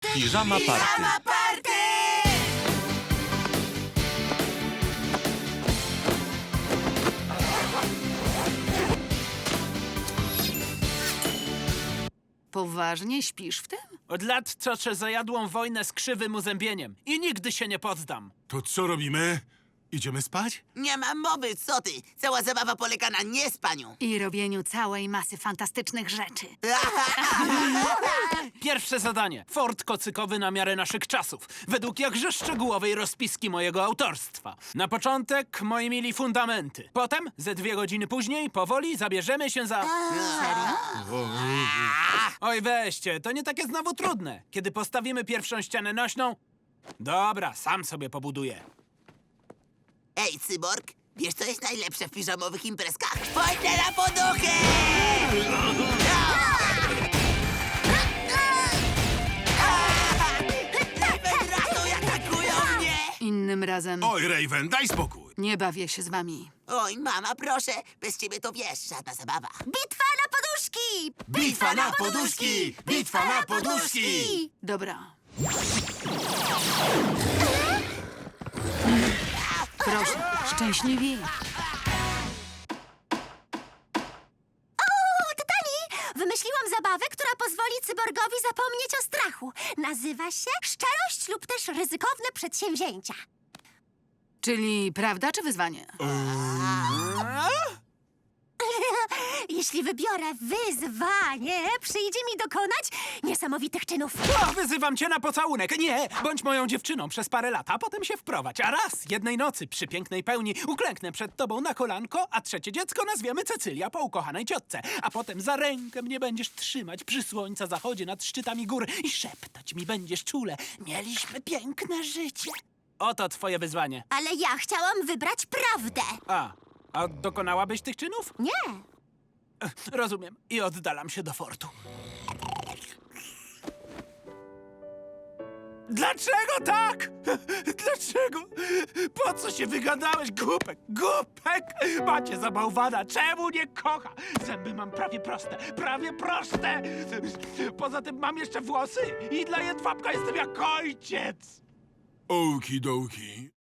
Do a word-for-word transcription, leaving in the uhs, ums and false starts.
Piżama Party. Piżama Party! Poważnie śpisz w tym? Od lat toczę zajadłą wojnę z krzywym uzębieniem i nigdy się nie poddam. To co robimy? Idziemy spać? Nie mam mowy, co ty? Cała zabawa polega na niespaniu. I robieniu całej masy fantastycznych rzeczy. Pierwsze zadanie. Fort kocykowy na miarę naszych czasów. Według jakże szczegółowej rozpiski mojego autorstwa. Na początek, moi mili, fundamenty. Potem, ze dwie godziny później, powoli zabierzemy się za... Oj, weźcie, to nie takie znowu trudne. Kiedy postawimy pierwszą ścianę nośną... Dobra, sam sobie pobuduję. Ej, cyborg, wiesz co jest najlepsze w piżamowych imprezkach? Spojrzę na poduchy! Raven, ratuj, atakują mnie! Innym razem Oj, Raven, daj spokój. nie bawię się z wami. Oj, mama, proszę, bez ciebie to wiesz, żadna zabawa. Bitwa na poduszki! Bitwa na poduszki! Bitwa na poduszki! Dobra. Proszę, szczęśliwi. O, Tytani! Wymyśliłam zabawę, która pozwoli cyborgowi zapomnieć o strachu. Nazywa się szczerość lub też ryzykowne przedsięwzięcia. Czyli prawda czy wyzwanie? Jeśli wybiorę wyzwanie, przyjdzie mi dokonać niesamowitych czynów. O, wyzywam cię na pocałunek. Nie, bądź moją dziewczyną przez parę lat, a potem się wprowadź. A raz, jednej nocy, przy pięknej pełni, uklęknę przed tobą na kolanko, a trzecie dziecko nazwiemy Cecylia po ukochanej ciotce. A potem za rękę mnie będziesz trzymać przy słońca zachodzie nad szczytami gór i szeptać mi będziesz czule. Mieliśmy piękne życie. Oto twoje wyzwanie. Ale ja chciałam wybrać prawdę. A, a dokonałabyś tych czynów? Nie. Rozumiem. I oddalam się do fortu. Dlaczego tak? Dlaczego? Po co się wygadałeś, głupek? Głupek! Macie za bałwana. Czemu nie kocha? Zęby mam prawie proste. Prawie proste! Poza tym mam jeszcze włosy i dla jedwabka jestem jak ojciec. Okidoki.